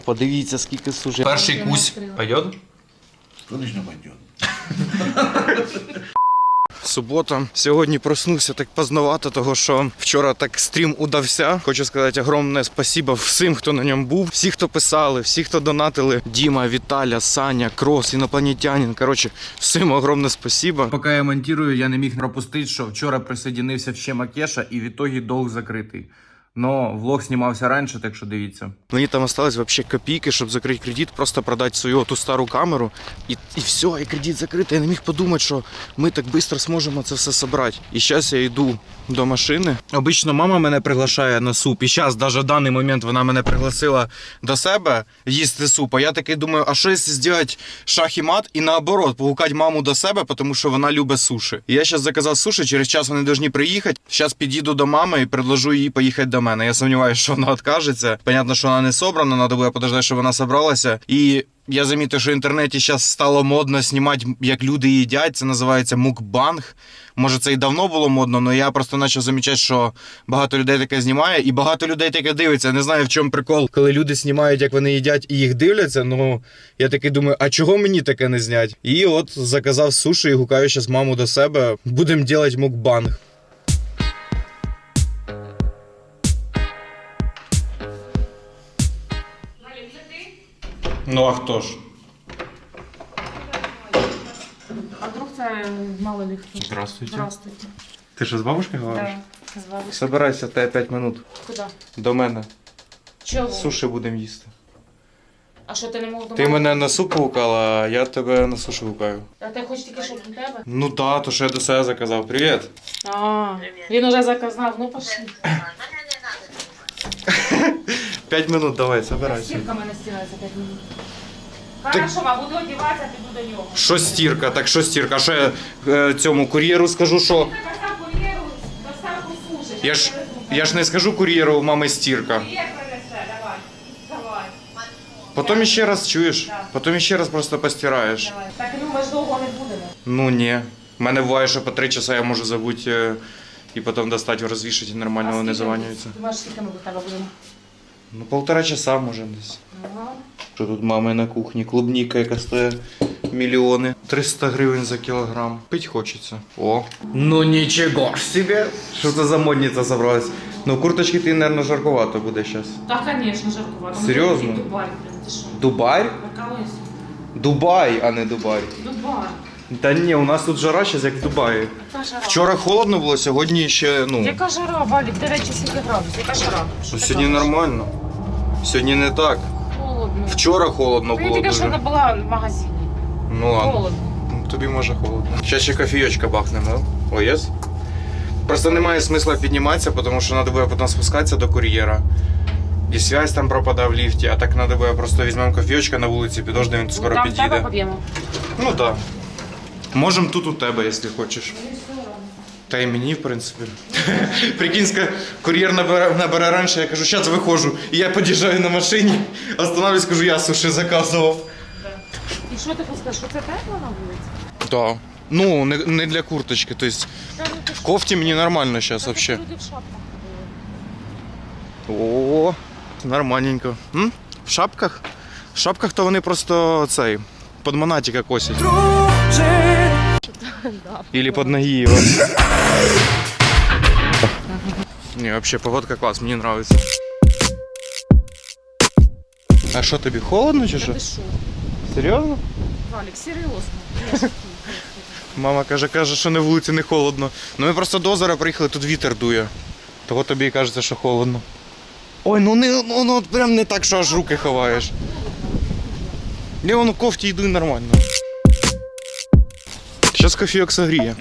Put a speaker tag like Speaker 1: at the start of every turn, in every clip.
Speaker 1: Подивіться, скільки суші. Перший кусь пойдет?
Speaker 2: Конечно, пойдет.
Speaker 1: Субота. Сьогодні проснувся так поздновато, того що вчора так стрім удався. Хочу сказати огромне спасибо всім, хто на ньому був. Всі, хто писали, всі, хто донатили. Діма, Віталя, Саня, Крос, інопланетянин. Коротше, всім огромне спасибо. Поки я монтую, я не міг пропустити, що вчора присоединився ще Макеша і в ітогі долг закритий. Но влог знімався раніше, так що дивіться. Мені там осталось вообще копійки, щоб закрити кредит, просто продати свою ту стару камеру. І все, і кредит закритий. Я не міг подумати, що ми так швидко зможемо це все зібрати. І зараз я йду до машини. Обично мама мене приглашає на суп. І зараз, навіть в даний момент, вона мене пригласила до себе їсти суп. А я такий думаю, а що якщо зробити шах і мат і наоборот, погукати маму до себе, тому що вона любить суші. І я зараз заказав суші, через час вони повинні приїхати. Зараз під'їду до мами і предложу їй поїхати до мене. Я сумніваюся, що вона відкажеться. Понятно, що вона не собрана, треба буде подождати, щоб вона зібралася. І я замітив, що в інтернеті зараз стало модно знімати, як люди їдять. Це називається мукбанг. Може, це і давно було модно, але я просто почав замічати, що багато людей таке знімає, і багато людей таке дивиться. Я не знаю, в чому прикол, коли люди знімають, як вони їдять, і їх дивляться. Ну, я такий думаю, а чого мені таке не зняти? І от заказав суші і гукаю зараз маму до себе. Будемо робити мукбанг. Ну а хто ж?
Speaker 3: А вдруг це мало ли хто?
Speaker 1: Здравствуйте.
Speaker 3: Здравствуйте.
Speaker 1: Ти що, з бабушкою говориш?
Speaker 3: Да, з бабушкою.
Speaker 1: Собирайся, в тебе 5 минут.
Speaker 3: Куди?
Speaker 1: До мене.
Speaker 3: Чого?
Speaker 1: Суші будемо їсти.
Speaker 3: А що ти не мог
Speaker 1: Ти мене на суп гукала, а я тебе на суші гукаю.
Speaker 3: А ти хочеш тільки, щоб у тебе?
Speaker 1: Ну так, то що я до себе заказав. Привіт.
Speaker 3: А, він уже заказав, ну пошли.
Speaker 1: 5 минут, давай, собирайся.
Speaker 3: Стірка мене стирає за 5 минут. Хорошо, а буду одягатися, піду до нього.
Speaker 1: Що стірка? Так що стірка? А що я цьому кур'єру скажу, що...
Speaker 3: Ти казав кур'єру доставку суші.
Speaker 1: Я ж не скажу кур'єру, у мами стірка.
Speaker 3: Кур'єр принесе, давай. Давай.
Speaker 1: Потім ще раз чуєш,
Speaker 3: Так.
Speaker 1: потім ще раз просто постираєш.
Speaker 3: Давай. Так, ну ми ж довго не будемо.
Speaker 1: Ну ні. У мене буває, що по 3 часа я можу забути і потім достати, розвішати і нормально вони заванюються.
Speaker 3: Думаєш, скільки ми до тебе будемо?
Speaker 1: Ну, 1,5 часа може десь.
Speaker 3: Ага.
Speaker 1: Що тут мами на кухні? Клубніка, яка стоїть мільйони. 300 гривень за кілограм. Пить хочеться. О. Ну нічого ж себе. Що це за модниця зібралась? Ну, курточки ти, мабуть, жаркувато буде зараз.
Speaker 3: Так, звісно, жаркувато.
Speaker 1: Серйозно?
Speaker 3: Дубай, блин, ти що?
Speaker 1: Дубай?
Speaker 3: Прикалуєшся?
Speaker 1: Дубай, а не Дубай.
Speaker 3: Дубай.
Speaker 1: Та ні, у нас тут жара зараз як в Дубаї.
Speaker 3: Яка жара?
Speaker 1: Вчора холодно було, сьогодні ще, ну...
Speaker 3: Яка жара, Валік? 9 чи 7 градусів. Яка жара? Що
Speaker 1: Ну,
Speaker 3: ти
Speaker 1: сьогодні
Speaker 3: кажеш?
Speaker 1: нормально. Сьогодні не так.
Speaker 3: Холодно.
Speaker 1: Вчора холодно
Speaker 3: Ти
Speaker 1: було
Speaker 3: тільки що
Speaker 1: дуже.
Speaker 3: не була в магазині.
Speaker 1: Ну ладно.
Speaker 3: Холодно.
Speaker 1: Тобі може холодно. Зараз ще кофійочка бахнемо, да? О, єс? Просто немає смисла підніматися, тому що треба буде потім спускатися до кур'єра. І связь там пропадає в ліфті, а так треба буде просто візьмемо кофійочка на вулиці, підождемо, він скоро
Speaker 3: Там в тебе
Speaker 1: підійде.
Speaker 3: поб'ємо.
Speaker 1: Ну так. Да. Можемо тут у тебе, якщо хочеш. Та й мені, в принципі. Прикинь, кур'єр набере раніше, я кажу, зараз виходжу. І я під'їжджаю на машині, останавливаюсь, кажу, я суші заказував.
Speaker 3: І що ти хочеш, що це тепло на вулиці?
Speaker 1: Так. Ну, не для курточки, тобто в кофті мені нормально зараз взагалі.
Speaker 3: Люди в шапках ходили.
Speaker 1: О, нормальненько. М? В шапках? В шапках то вони просто цей, під монатика косять. Или під ноги його. Не, вообще погодка клас, мені подобається. А що тобі, холодно чи що?
Speaker 3: Ти що?
Speaker 1: Серйозно?
Speaker 3: Валік, серйозно.
Speaker 1: Мама каже, що на вулиці не холодно. Ну ми просто до озера приїхали, тут вітер дує. Того тобі і кажеться, що холодно. Ой, ну от прям не так, що аж руки ховаєш. Я вон у кофті йду і нормально. Зараз кофійок согріє.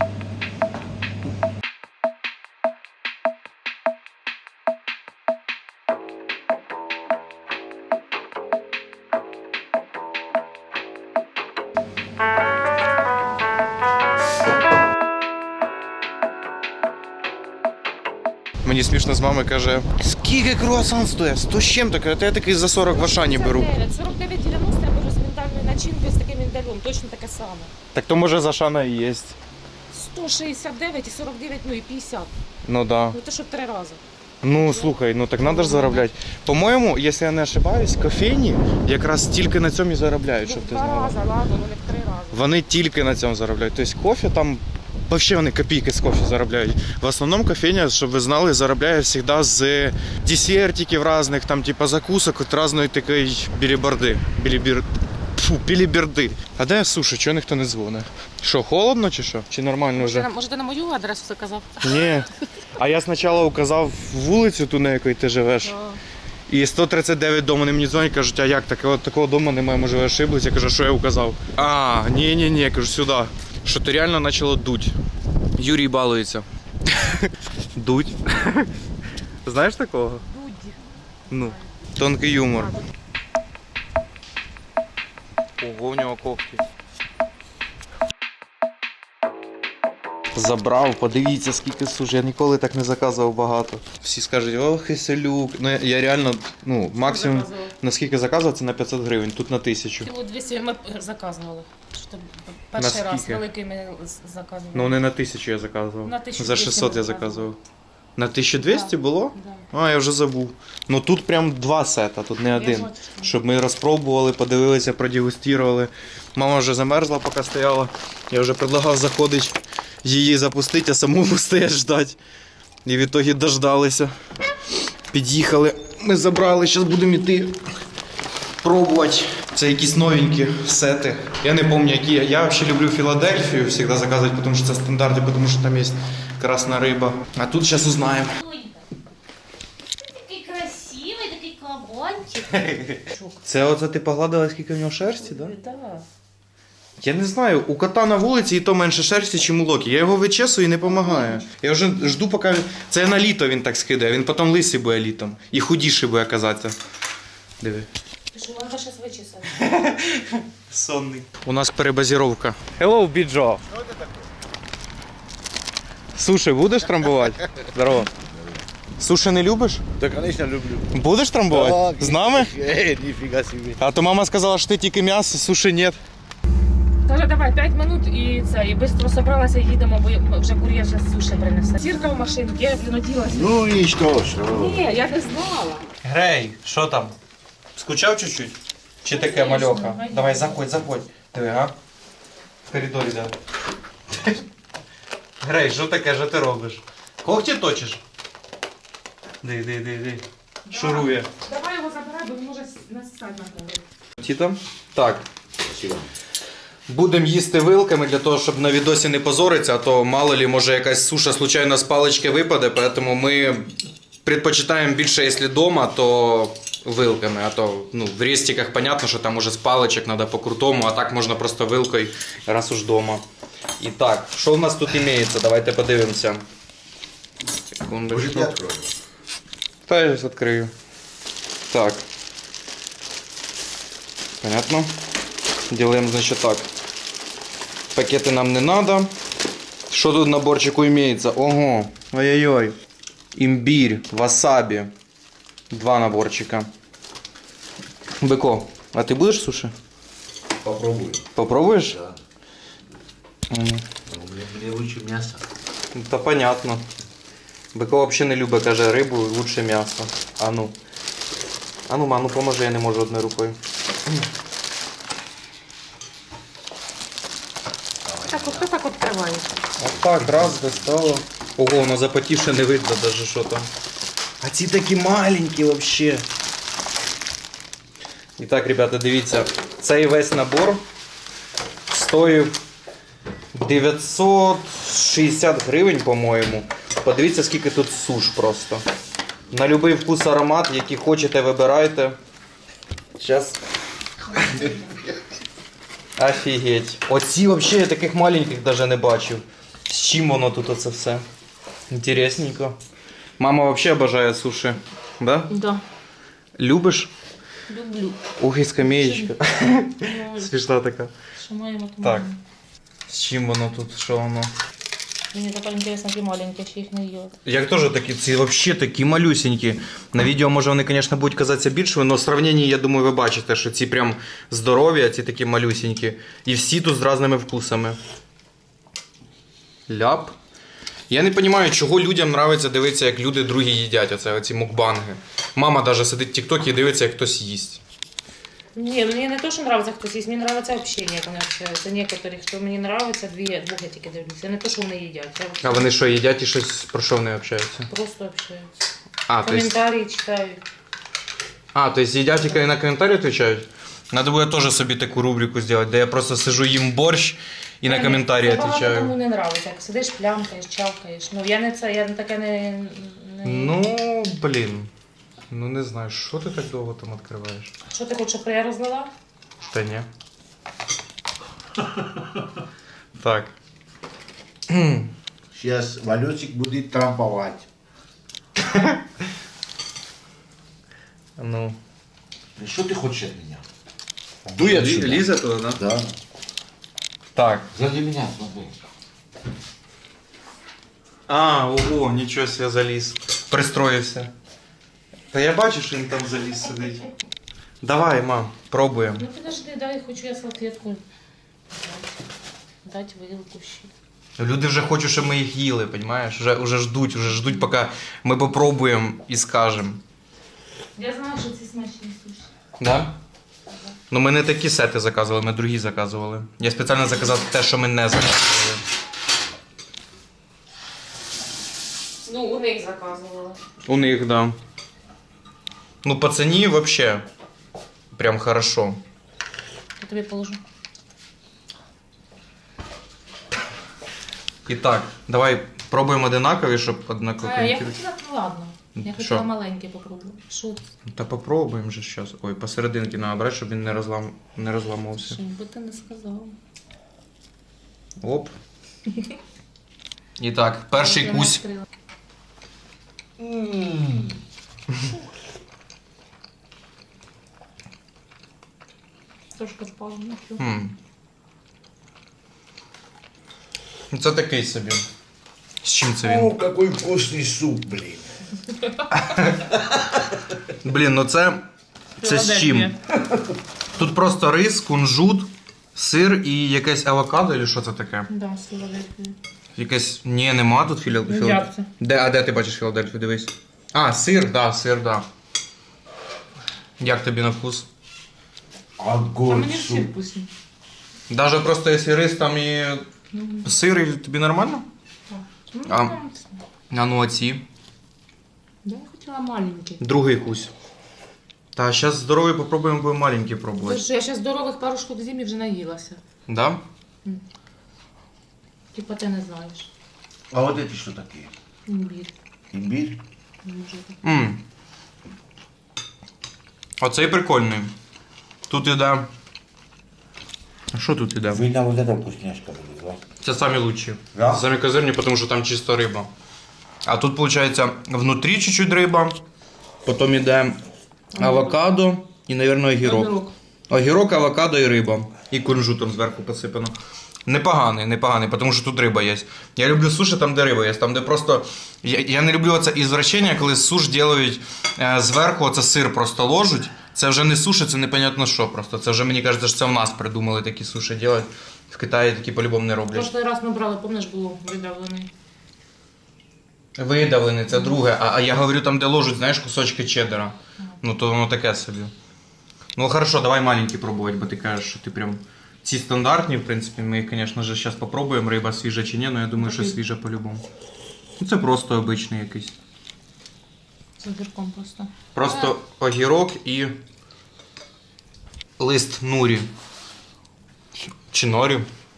Speaker 1: Мені смішно з мами каже, скільки круасан стоїть? 100 з чим таке? Я такий за 40 в Ашані беру.
Speaker 3: 49,90 я беру з міндальною начинкою, з таким міндалем. Точно таке саме.
Speaker 1: Так то може з Ашана і є.
Speaker 3: 169 і 49, ну і 50.
Speaker 1: Ну да.
Speaker 3: Ну то що 3 рази.
Speaker 1: Ну, слухай, ну так треба ж заробляти. По-моєму, якщо я не ошибаюсь, кофейні якраз тільки на цьому і заробляють, щоб ти
Speaker 3: Два
Speaker 1: знала.
Speaker 3: рази, ладно, ну не в 3 рази.
Speaker 1: Вони тільки на цьому заробляють. Тобто кофе там, взагалі вони копійки з кофе заробляють. В основному кофейня, щоб ви знали, заробляє завжди з десертиків різних, там, типу закусок, от різної такої біліберди. Біліберди. А де суші? Чого ніхто не дзвонить? Що, холодно чи що? Чи нормально вже?
Speaker 3: Може ти на мою адресу заказав?
Speaker 1: Ні. А я спочатку указав вулицю ту, на якій ти живеш. І 139 дому не мені дзвонять, кажуть, а як таке? От такого дому немає, може ви ошиблись. Я кажу, що я указав? А, ні, я кажу, сюди. Що ти реально почало дуть. Юрій балується. Дуть. Знаєш такого?
Speaker 3: Дудь.
Speaker 1: Ну, тонкий юмор. Ого, у нього когті. Забрав, подивіться, скільки суш. Я ніколи так не заказував багато. Всі скажуть, ох, і селюк. Ну я реально, ну, максимум,
Speaker 3: Заказував.
Speaker 1: наскільки заказував, це на 500 гривень, тут на 1000.
Speaker 3: Кіло 200 ми заказували. Що перший раз
Speaker 1: Наскільки?
Speaker 3: великий ми заказували.
Speaker 1: Ну не на 1000 я заказував.
Speaker 3: На 1200
Speaker 1: За 600 я
Speaker 3: ми
Speaker 1: заказував. На 1200
Speaker 3: Да.
Speaker 1: було?
Speaker 3: Да.
Speaker 1: А, я вже забув. Ну тут прям 2 сета, тут не один.
Speaker 3: бачу, що
Speaker 1: Щоб ми розпробували, подивилися, продегустували. Мама вже замерзла, поки стояла. Я вже предлагав заходити, її запустити, а самому стоять ждати. І в ітогі дождалися. Під'їхали, ми забрали, зараз будемо йти пробувати. Це якісь новенькі сети. Я не пам'ятаю, які. Я взагалі люблю Філадельфію завжди заказувати, тому що це стандарти, тому що там є красна риба. А тут зараз узнаємо.
Speaker 4: Такий красивий, такий кабанчик.
Speaker 1: Це оце ти погладила, скільки в нього шерсті, так? Да?
Speaker 3: Да.
Speaker 1: Я не знаю, у кота на вулиці і то менше шерсті, ніж у Локі. Я його вичесую і не допомагає. Я вже жду, поки. Це на літо він так скидає, він потім лисий буде літом. І худіший буде казатися. Диви.
Speaker 3: Ти що, треба зараз вичесати?
Speaker 1: Сонний. У нас перебазіровка. Hello, Біджо. Суші будеш трамбувати? Здорово. Суші не любиш?
Speaker 2: Да, конечно, люблю.
Speaker 1: Будеш трамбувати? З нами?
Speaker 2: Нифига себе.
Speaker 1: А то мама сказала, що ти тільки м'ясо, суші нет.
Speaker 3: Каже, давай 5 минут і це, і швидко зібралася, їдемо, бо вже кур'єр зараз суші принесе. Сірка в машинці, я принудилася.
Speaker 2: Ну и что?
Speaker 3: Ні, я не знала.
Speaker 1: Грей, що там? Скучав чуть-чуть? Чи таке мальоха? Давай, заходь. Диви, а? В коридорі, да. Грей, що таке, що ти робиш? Когті точиш? Ди. Шурує.
Speaker 3: Давай його забирай, бо він може насісати на голову.
Speaker 1: Ті там? Так.
Speaker 2: Спасибо.
Speaker 1: Будемо їсти вилками для того, щоб на відосі не позоритися, а то мало ли, може якась суша случайно з палички випаде, тому ми предпочитаємо більше, якщо вдома, то вилками, а то ну, в рестиках понятно, що там уже з паличок треба по-крутому, а так можна просто вилкою, раз уж вдома. І так, що в нас тут імеється? Давайте подивимося.
Speaker 2: Может, я открою?
Speaker 1: Та я зараз відкрию. Так. Понятно? Делаем, значит, так. Пакеты нам не надо. Что тут в наборчику имеется? Ого. Ой-ой-ой. Имбирь, васаби. 2 наборчика. Быко, а ты будешь суши?
Speaker 2: Попробую.
Speaker 1: Попробуешь?
Speaker 2: Да.
Speaker 1: М,
Speaker 2: Мне лучше мясо.
Speaker 1: Та понятно. Быко вообще не любить, каже, рибу, лучше м'ясо. А ну. А ну, ма, ну поможи, я не можу одною рукою.
Speaker 3: Так, от хто так відкриває?
Speaker 1: От так, раз, достало. Ого, воно запотівше не видно даже, що там. А ці такі маленькі вообще. І так, ребята, дивіться, цей весь набор стоїв 960 гривень, по-моєму. Подивіться, скільки тут суш просто. На будь-який вкус, аромат, який хочете, вибирайте. Зараз. Офігеть. Оці взагалі я таких маленьких навіть не бачив. З чим воно тут оце все? Інтересненько. Мама взагалі обожає суші. Да?
Speaker 3: Да.
Speaker 1: Любиш?
Speaker 3: Люблю.
Speaker 1: Ух, і скамеєчка.
Speaker 3: Ну,
Speaker 1: Смішна така.
Speaker 3: що маємо, то
Speaker 1: Так.
Speaker 3: маємо.
Speaker 1: З чим воно тут? Що воно?
Speaker 3: Мені тепер інтересно, ті маленькі, ще їх не їла.
Speaker 1: Як теж такі, ці взагалі такі малюсенькі. На відео, може, вони, звісно, будуть казатися більшими, але в сравненні, я думаю, ви бачите, що ці прям здорові, а ці такі малюсенькі. І всі тут з різними вкусами. Ляп. Я не розумію, чого людям подобається дивитися, як люди другі їдять, оці мукбанги. Мама навіть сидить в тік-токі і дивиться, як хтось їсть.
Speaker 3: Ні, мені не то, що подобається хтось їсть, мені подобається общення, як вони общаються. Некоторі, хто мені подобається, двох я тільки дивлюся. Не то, що вони їдять.
Speaker 1: А вони що, їдять і щось про що вони общаються?
Speaker 3: Просто общаються.
Speaker 1: А, то есть...
Speaker 3: Коментарі читають.
Speaker 1: А, то есть їдять і на коментарі відповідають? Надо буде теж собі таку рубрику зробити, де я просто сижу, їм борщ і на коментарі
Speaker 3: Це багато
Speaker 1: відповідаю.
Speaker 3: кому не подобається, як сидиш, плямкаєш, чавкаєш. Ну, я не таке не...
Speaker 1: Ну, блін. Ну не знаю, що ти так довго там відкриваєш?
Speaker 3: Що ти хочеш, щоб я розлила?
Speaker 1: Та ні. Так.
Speaker 5: Сейчас Валюсик будет трамповать.
Speaker 1: Ну.
Speaker 5: Что ты хочешь от меня? Дуй отсюда.
Speaker 1: Ліза туди, да?
Speaker 5: Да.
Speaker 1: Так.
Speaker 5: Сзади меня, смотри.
Speaker 1: А, ого, нічого себе заліз. Пристроївся. Та я бачу, що він там заліз сидить. Давай, мам, пробуємо.
Speaker 3: Ну подожди, дай, хочу я салфетку. Дать вилку ще.
Speaker 1: Люди вже хочуть, щоб ми їх їли, розумієш? Уже ждуть, поки ми попробуємо і скажемо.
Speaker 3: Я знаю, що це смачні суші.
Speaker 1: Да? Ну ми не такі сети заказували, ми другі заказували. Я спеціально заказав те, що ми не заказували.
Speaker 3: Ну, у них заказувала.
Speaker 1: У них, да. Ну, по ціні вообще прям хорошо.
Speaker 3: Я тобі положу.
Speaker 1: І так, давай пробуємо одинакові, щоб однаково.
Speaker 3: Я хотіла, ну ладно. Я хотіла
Speaker 1: Що?
Speaker 3: маленьке попробувати. Що це?
Speaker 1: Та попробуємо же зараз. Ой, посерединки треба брати, щоб він не розламався.
Speaker 3: Що би ти не сказав.
Speaker 1: Оп. І так, перший
Speaker 3: Я не
Speaker 1: кусь.
Speaker 3: відкрила. Трошки впало на цю.
Speaker 1: Це такий собі. З чим це
Speaker 5: О,
Speaker 1: він?
Speaker 5: какой вкусный суп, блин.
Speaker 1: Блін, ну це з чим? Тут просто рис, кунжут, сир і якесь авокадо, чи що це таке?
Speaker 3: Да, з Філадельфії.
Speaker 1: Якесь. Ні, нема тут
Speaker 3: Ну,
Speaker 1: Філадельфії.
Speaker 3: як це?
Speaker 1: Де ти бачиш Філадельфію? Дивись. А, сир, да. Як тобі на вкус?
Speaker 3: А
Speaker 5: Огонь
Speaker 3: мені всі
Speaker 5: суп.
Speaker 3: вкусні.
Speaker 1: Даже просто якщо рис там і сир, і тобі нормально?
Speaker 3: Ну,
Speaker 1: А. А ну оці.
Speaker 3: Я хотіла маленький.
Speaker 1: Другий кусь. Та зараз здоровий попробуємо, будемо маленький пробувати.
Speaker 3: Тож я зараз здорових пару штук з'їм і вже наїлася.
Speaker 1: Да?
Speaker 3: Типа ти не знаєш.
Speaker 5: А вот эти что такие?
Speaker 3: Імбір.
Speaker 5: Имбирь?
Speaker 3: Може так.
Speaker 1: Оцей прикольний. Тут іде. А що тут іде?
Speaker 5: Видно, вот эта вкусняшка будет, да?
Speaker 1: Це самі лучші.
Speaker 5: Да?
Speaker 1: Самі козирні, тому що там чисто риба. А тут, виходить, внутрі чуть-чуть риба, потім іде авокадо і, мабуть, огірок. Огірок, авокадо і риба. І кунжутом зверху посипано. Непоганий, тому що тут риба є. Я люблю суші там, де риба є. Там, де просто... Я не люблю це ізвращення, коли суш роблять зверху, оце сир просто ложуть. Це вже не суші, це непонятно що просто. Це вже, мені кажеться, що це в нас придумали такі суші робити. В Китаї такі по-любому не роблять.
Speaker 3: Прошлий раз ми брали, пам'ятаєш, було видавлений.
Speaker 1: Видавлений, це друге. А я говорю там, де ложать, знаєш, кусочки чеддера. Ну то воно таке собі. Ну хорошо, давай маленькі пробувати, бо ти кажеш, що ти прям... Ці стандартні, в принципі, ми їх, звісно ж, зараз попробуємо, риба свіжа чи ні, але я думаю, що свіжа по-любому. Ну це просто обичний якийсь.
Speaker 3: З огірком просто.
Speaker 1: Просто огірок і лист нурі. Чи норі.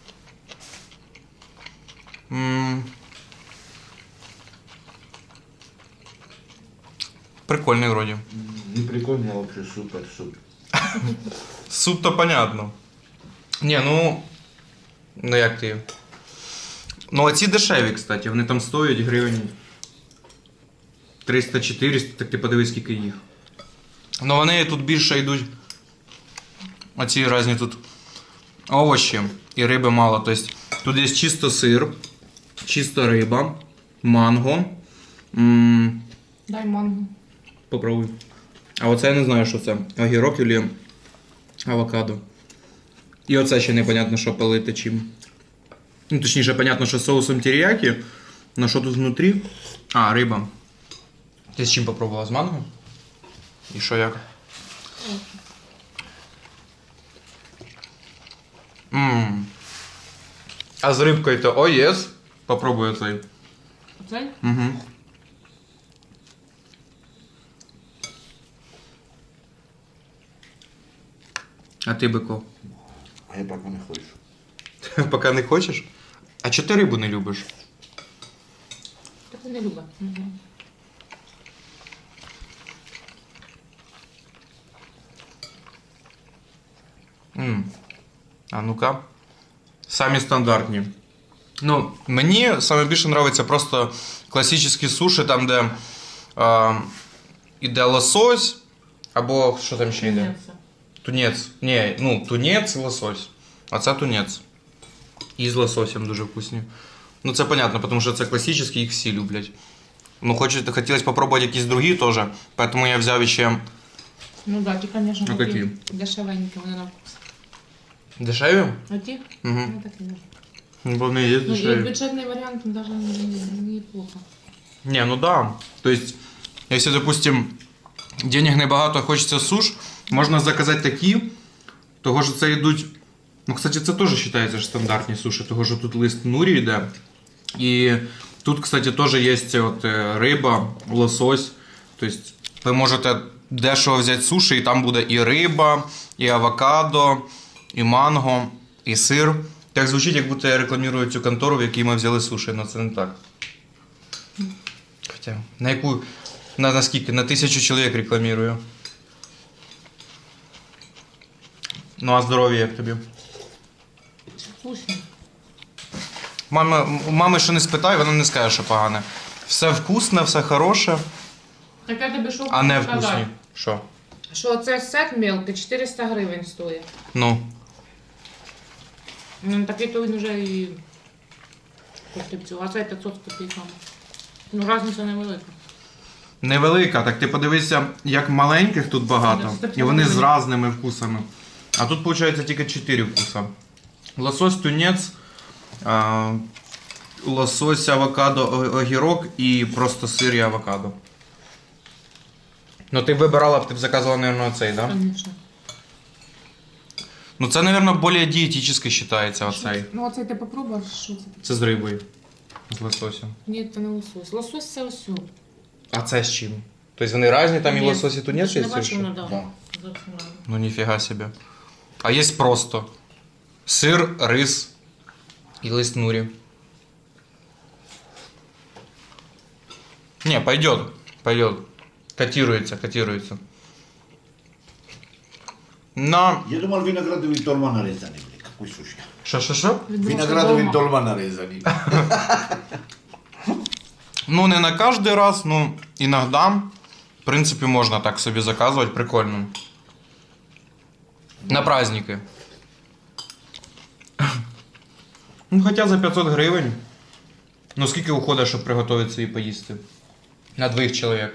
Speaker 1: Прикольний вроді.
Speaker 5: Не прикольно, а вообще супер суп.
Speaker 1: Суп то понятно. Ні, ну як ти. Ну, а ці дешеві, кстати, вони там стоять гривень 300-400, так ти подивись, скільки їх. Ну вони тут більше йдуть. Оці різні тут овочі і риби мало. Тобто тут є чисто сир, чисто риба, манго.
Speaker 3: Дай манго.
Speaker 1: Попробуй. А оце я не знаю, що це. Огірок чи авокадо. І оце ще непонятно, що полити чим. Ну, точніше, понятно, що соусом теріякі, Ну що тут внутрі? А, риба. Ти з чим попробувала? З манго? І що як? Ммм. А з рибкою то о, єс. Попробую цей.
Speaker 3: Оцей?
Speaker 1: Угу. А ти, Бико?
Speaker 5: А я поки не хочу.
Speaker 1: Поки не хочеш? А чого ти рибу не любиш?
Speaker 3: Так не любить.
Speaker 1: А ну-ка. Самі стандартні. Ну, мені саме більше подобається просто класичні суші, там, де іде лосось, або що там ще йде? Тунець. Ні, ну, тунець і лосось. А це тунець. І з лососем дуже вкусні. Ну, це понятно, тому що це класичні, їх всі люблять. Ну, хотілося спробувати якісь другі теж, тому я взяв ще
Speaker 3: Ну да, ті, звісно,
Speaker 1: Ну,
Speaker 3: такі
Speaker 1: які?
Speaker 3: дешевенькі, вони на вкус.
Speaker 1: дешеві.
Speaker 3: А ті?
Speaker 1: Угу.
Speaker 3: Ну такі.
Speaker 1: Вони є
Speaker 3: Ну, і
Speaker 1: дешеві.
Speaker 3: бюджетний варіант навіть неплохо.
Speaker 1: Не, ну да. То есть, если, допустим, денег небагато, а хочеться суш, можна заказати такі, того що це йдуть. Ну, кстати, це теж вважається ж стандартні суші, того що тут лист нурі йде. І тут, кстати, теж є от риба, лосось. Тобто, ви можете дешево взяти суші, і там буде і риба, і авокадо, і манго, і сир. Так звучить, як будто я рекламую цю контору, в якій ми взяли суші, але це не так. Хоча, на яку, на скільки? На 1000 чоловік рекламую. Ну, а здоров'я як тобі?
Speaker 3: Вкусно.
Speaker 1: Мами ще не спитай, вона не скаже, що погане. Все вкусне, все хороше,
Speaker 3: Так я тобі що
Speaker 1: а не
Speaker 3: хочу
Speaker 1: вкусні.
Speaker 3: сказати?
Speaker 1: Що?
Speaker 3: Що це сет мелкий 400 гривень стоїть.
Speaker 1: Ну.
Speaker 3: Ну, такий то він вже і коштує цього, а це 500 з копійками. Ну, різниця невелика.
Speaker 1: Невелика, так ти подивися, як маленьких тут багато, і вони з різними вкусами. А тут, виходить, тільки 4 вкуса. Лосось, тунець, лосось, авокадо, огірок і просто сир і авокадо. Ну ти б вибирала, ти б заказувала, мабуть, оцей, так? Да?
Speaker 3: Звісно.
Speaker 1: Ну це, мабуть, більш дієтичний вважається оцей.
Speaker 3: Ну, оцей ти попробував, що це?
Speaker 1: Це з рибою. З лососем.
Speaker 3: Ні, це не лосось. Лосось це ось.
Speaker 1: А це з чим? Тобто вони різні, там і
Speaker 3: Ні,
Speaker 1: лосось, і тунець
Speaker 3: ти
Speaker 1: є?
Speaker 3: ж не бачив,
Speaker 1: чи
Speaker 3: ну
Speaker 1: що?
Speaker 3: да.
Speaker 5: Да.
Speaker 3: Зовсім рано.
Speaker 1: Ну ніфіга собі. А є просто сир, рис і лист нурі. Не, пойдет, пойдет. Котируется, котируется. На...
Speaker 5: Я думал, виноградовый долма нарезанный, блин. Какой суши.
Speaker 1: Що?
Speaker 5: Виноградовый долма нарезанный.
Speaker 1: Ну, не на каждый раз, ну, иногда, в принципе, можно так собі заказувати, прикольно. На праздники. Ну, хоча за 500 гривень. Ну, скільки уходить, щоб приготувати і поїсти? На 2 чоловік.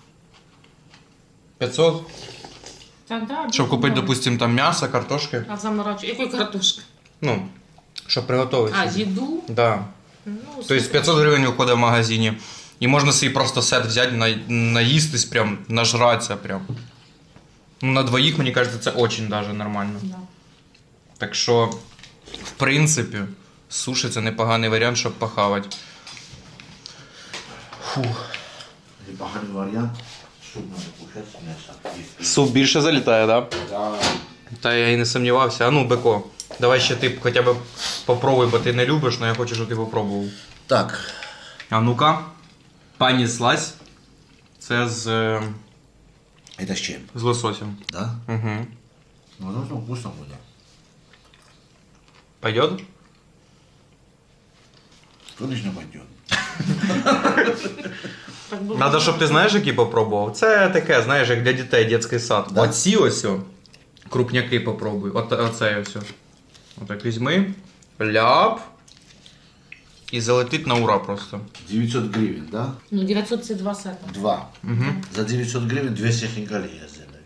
Speaker 1: 500?
Speaker 3: Так, да,
Speaker 1: Щоб купити,
Speaker 3: да.
Speaker 1: допустим, там м'ясо, картошки.
Speaker 3: А заморачу. Якої картошки?
Speaker 1: Ну, щоб приготувати.
Speaker 3: А,
Speaker 1: собі.
Speaker 3: їду?
Speaker 1: Да.
Speaker 3: Ну,
Speaker 1: Тобто 500 гривень уходить в магазині. І можна собі просто сет взяти, наїстись прям, нажратися прям. Ну, на 2, мені кажется, це очень даже нормально.
Speaker 3: Да.
Speaker 1: Так що, в принципі, суші це непоганий варіант, щоб похавати. Фух.
Speaker 5: Непоганый вариант. Суп надо кушать с мясом.
Speaker 1: Суп більше залітає, так? Да?
Speaker 5: Да.
Speaker 1: Та я і не сумнівався. А ну, Беко, давай ще ти хоча б попробуй, бо ти не любиш, але я хочу, щоб ти попробував.
Speaker 5: Так.
Speaker 1: А ну-ка, пані слазь. Це з
Speaker 5: Это с чем?
Speaker 1: лососем.
Speaker 5: Да?
Speaker 1: Угу.
Speaker 5: Ну, должно вкусно будет.
Speaker 1: Пойдет?
Speaker 5: Конечно, пойдет.
Speaker 3: Так було.
Speaker 1: Надо, щоб ти знаєш, який попробував. Це таке, знаєш, як для дітей дитячий сад.
Speaker 5: Да.
Speaker 1: Оці ось о, крупняки попробуй. Оцей ось. Отак візьми, ляп. І залетить на ура просто.
Speaker 5: 900 гривен, да?
Speaker 3: Ну, 900 це 2 сета.
Speaker 5: 2.
Speaker 1: Угу.
Speaker 5: За 900 гривен 200 хинкали я сделаю.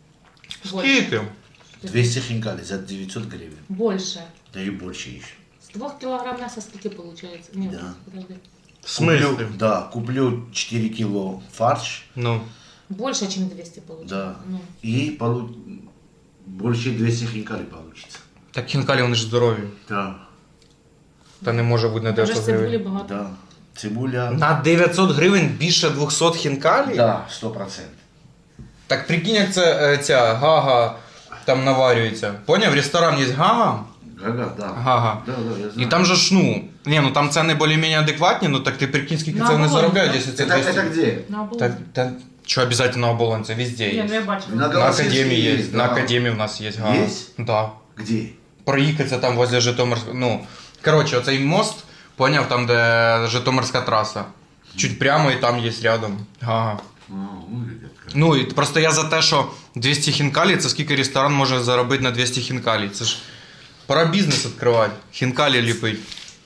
Speaker 3: Больше.
Speaker 1: Скільки?
Speaker 5: 200 хинкали за 900 гривен.
Speaker 3: Больше.
Speaker 5: Да и больше еще.
Speaker 3: 2 килограмм мяса сколько получается? Нет,
Speaker 5: Да.
Speaker 3: подожди.
Speaker 1: В смысле?
Speaker 5: Куплю 4 кило фарш,
Speaker 1: Ну.
Speaker 3: Больше, чем 200 получается.
Speaker 5: да,
Speaker 3: Ну.
Speaker 5: и больше 200 хинкали получится.
Speaker 1: Так хінкалі вони ж здорові.
Speaker 5: Да,
Speaker 1: Та не може бути на
Speaker 3: Даже
Speaker 1: 900
Speaker 3: цибули
Speaker 1: гривень.
Speaker 3: багато.
Speaker 5: да. Цибуля,
Speaker 1: На 900 гривень більше 200 хінкалі?
Speaker 5: да, 100%.
Speaker 1: Так прикинь, як це ця гага там наварюється. Поняв? Ресторан є гага.
Speaker 5: Гага, да.
Speaker 1: Гага.
Speaker 5: Да, да, я
Speaker 1: І
Speaker 5: знаю.
Speaker 1: там же ж, ну там ціни більш-менш адекватні, ну так ти прикинь, скільки
Speaker 3: На
Speaker 1: це вони
Speaker 3: оболонь,
Speaker 1: заробляють,
Speaker 3: да?
Speaker 1: якщо це
Speaker 5: Это
Speaker 1: 200.
Speaker 5: где?
Speaker 3: На оболонь.
Speaker 1: Та що обов'язково оболонь, це везде
Speaker 3: Ні, ну
Speaker 1: є.
Speaker 3: я бачила.
Speaker 5: На
Speaker 1: На
Speaker 5: Голосинске
Speaker 1: академії є,
Speaker 5: есть,
Speaker 1: на
Speaker 5: да.
Speaker 1: академії в нас є гага.
Speaker 5: Есть?
Speaker 1: Да.
Speaker 5: Где?
Speaker 1: Проїхатися там возле Житомирського, ну, коротше, оцей мост, поняв, там, де Житомирська траса. Чуть прямо і там є рядом гага. Ну, і просто я за те, що 200 хінкалі, це скільки ресторан може заробити на 200 хінкалі. Це ж пора бізнес відкривати, хінкалі ліпить.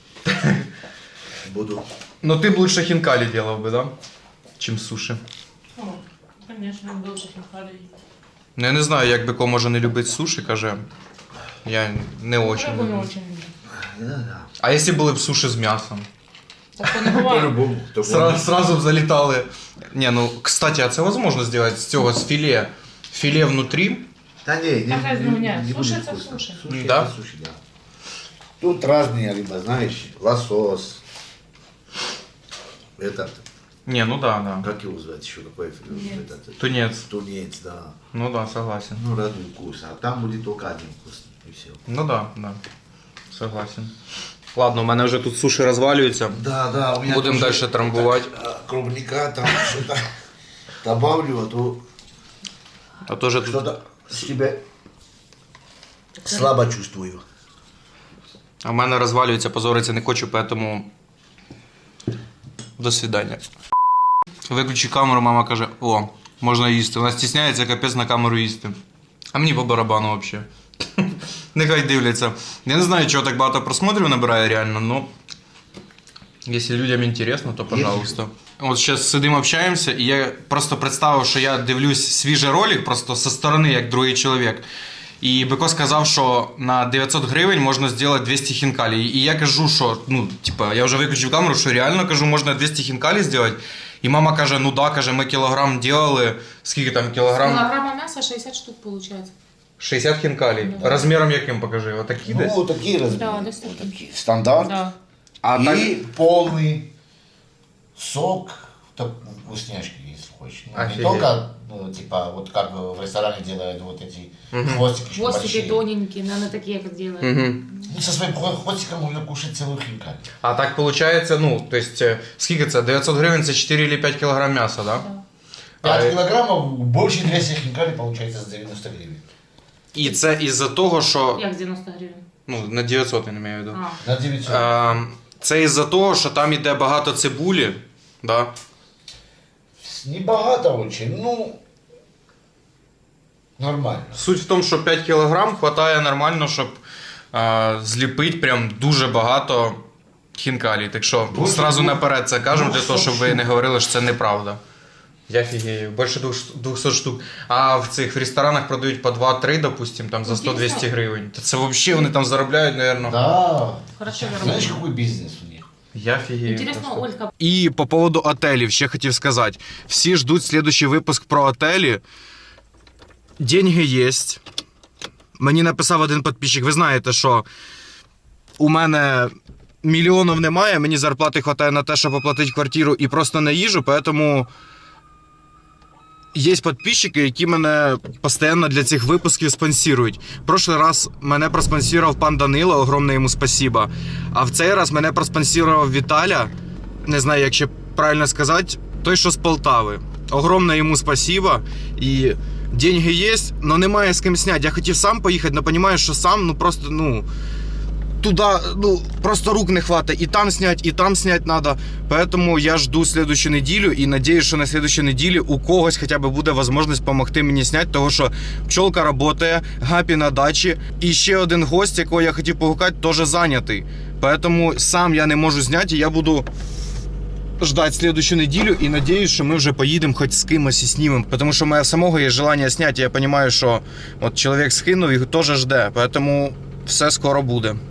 Speaker 5: Буду.
Speaker 1: Ну ти б лучше хінкалі делав би, да? Чим суші.
Speaker 3: О, конечно, больше хинкали.
Speaker 1: Ну я не знаю, як Беко може не любити суші, каже. Я не очень
Speaker 3: Рыбу не
Speaker 1: люблю.
Speaker 3: очень люблю.
Speaker 5: Да.
Speaker 1: А якщо були б суші з м'ясом?
Speaker 3: Так не бывает.
Speaker 5: По-любому.
Speaker 1: Сразу б залітали. Не, ну, кстати, а це возможно зробити з цього, з філе. Філе внутрі.
Speaker 5: Да не
Speaker 3: Какая разница у меня?
Speaker 5: не
Speaker 3: Суши
Speaker 5: будет
Speaker 3: это
Speaker 5: вкусно.
Speaker 3: суши.
Speaker 5: Суши
Speaker 1: Да?
Speaker 5: это суши, да. Тут разные рыба, знаешь, лосось. Этот,
Speaker 1: Не, ну да, да.
Speaker 5: как его звать еще, какой этот,
Speaker 1: Тунець.
Speaker 5: тунец, да.
Speaker 1: Ну да, согласен.
Speaker 5: Ну, разный вкус, а там будет только один вкус, и все.
Speaker 1: Ну да, да. Согласен. Ладно, у мене вже тут суші розвалюються.
Speaker 5: Да, да, у меня
Speaker 1: Будем
Speaker 5: тоже
Speaker 1: дальше трамбовать.
Speaker 5: так, клубника там что-то добавлю, а то
Speaker 1: А то же тут...
Speaker 5: что-то себя слабо чувствую.
Speaker 1: А в мене розвалюється, позориться не хочу, поэтому... До свидання. Виключи камеру, мама каже, о, можна їсти. Вона стісняється, капець на камеру їсти. А мені по барабану взагалі. Нехай дивляться. Я не знаю, чого так багато просмотрів набирає реально, но... Якщо людям інтересно, то пожалуйста. От зараз сидимо, общаємося, і я просто представив, що я дивлюсь свіжий ролик, просто зі сторони, як другий чоловік. І Беко сказав, що на 900 гривень можна зробити 200 хінкалі. І я кажу, що, ну, типа, я вже виключив камеру, що реально, кажу, можна 200 хінкалі зробити. І мама каже, ну да, каже, ми кілограм делали. Скільки там кілограм?
Speaker 3: Килограмма мяса 60 штук получается.
Speaker 1: 60 хінкалі.
Speaker 3: Да.
Speaker 1: Розміром яким, покажи? Отакі десь?
Speaker 5: Ну, такие размеры.
Speaker 3: Да, да,
Speaker 5: вот такие. Стандарт.
Speaker 3: Да.
Speaker 1: А
Speaker 5: И
Speaker 1: так...
Speaker 5: полный сок, так, вкусняшки, если хочешь. Ну, не
Speaker 1: Офигеть.
Speaker 5: только, ну, типа, вот как в ресторане делают вот эти хвостики.
Speaker 3: Хвостики
Speaker 5: большие.
Speaker 3: тоненькие, наверное, такие, как делают.
Speaker 1: Угу.
Speaker 5: Ну, со своим хвостиком можно кушать целую хинкаль.
Speaker 1: А так виходить, ну, то есть, скільки це? 900 гривень це 4 или 5 кілограм м'яса, да?
Speaker 3: Да.
Speaker 5: 5 килограммов, больше 200 хинкали получается за 90 гривен.
Speaker 1: І це із-за того, що...
Speaker 3: Як 90 гривень?
Speaker 1: Ну, на 900 я не маю в виду.
Speaker 3: А.
Speaker 5: На 900.
Speaker 1: Це із-за того, що там іде багато цибулі, да?
Speaker 5: Небогато очень, ну, нормально.
Speaker 1: Суть в тому, що 5 кілограм хватає нормально, щоб зліпити прям дуже багато хінкалі. Так що
Speaker 5: Більше
Speaker 1: зразу
Speaker 5: двох-
Speaker 1: наперед це кажемо, для
Speaker 5: 200
Speaker 1: того, щоб ви не
Speaker 5: штук.
Speaker 1: говорили, що це неправда. Я фігею, більше 200 штук. А в цих в ресторанах продають по 2-3, допустим, там за 100-200 гривень. Та це взагалі вони там заробляють, мабуть.
Speaker 5: Да.
Speaker 3: Хорошо
Speaker 5: Знаешь,
Speaker 3: заработали.
Speaker 5: какой бизнес у них?
Speaker 1: Я фігею.
Speaker 3: Интересно,
Speaker 1: просто.
Speaker 3: Ольга,
Speaker 1: І по поводу отелів ще хотів сказати. Всі ждуть следующий випуск про отелі. Деньги є. Мені написав один підписчик, ви знаєте, що у мене мільйонів немає, мені зарплати вистачає на те, щоб оплатити квартиру і просто на їжу, тому є підписчики, які мене постійно для цих випусків спонсорують. Прошлий раз мене проспонсорував пан Данило, огромне йому спасибо. А в цей раз мене проспонсорував Віталя, не знаю, як ще правильно сказати, той, що з Полтави. Огромне йому спасибо. І деньги є, але немає з ким зняти. Я хотів сам поїхати, але розумію, що сам, ну просто, ну... Туда, ну, просто рук не хватает. И там снять надо. Поэтому я жду следующую неделю и надеюсь, что на следующей неделе у когось хотя бы буде возможность помогти мені зняти, того що пчолка работає, Гапі на дачі. І ще один гость, якого я хотів погукати, теж зайнятий. Поэтому сам я не можу зняти, і я буду ждать следующую неделю и надеюсь, что мы уже поедем хоть с кимось и снимем. Потому что у меня самого есть желание снять, и я понимаю, что вот человек скинув и тоже жде. Поэтому все скоро буде.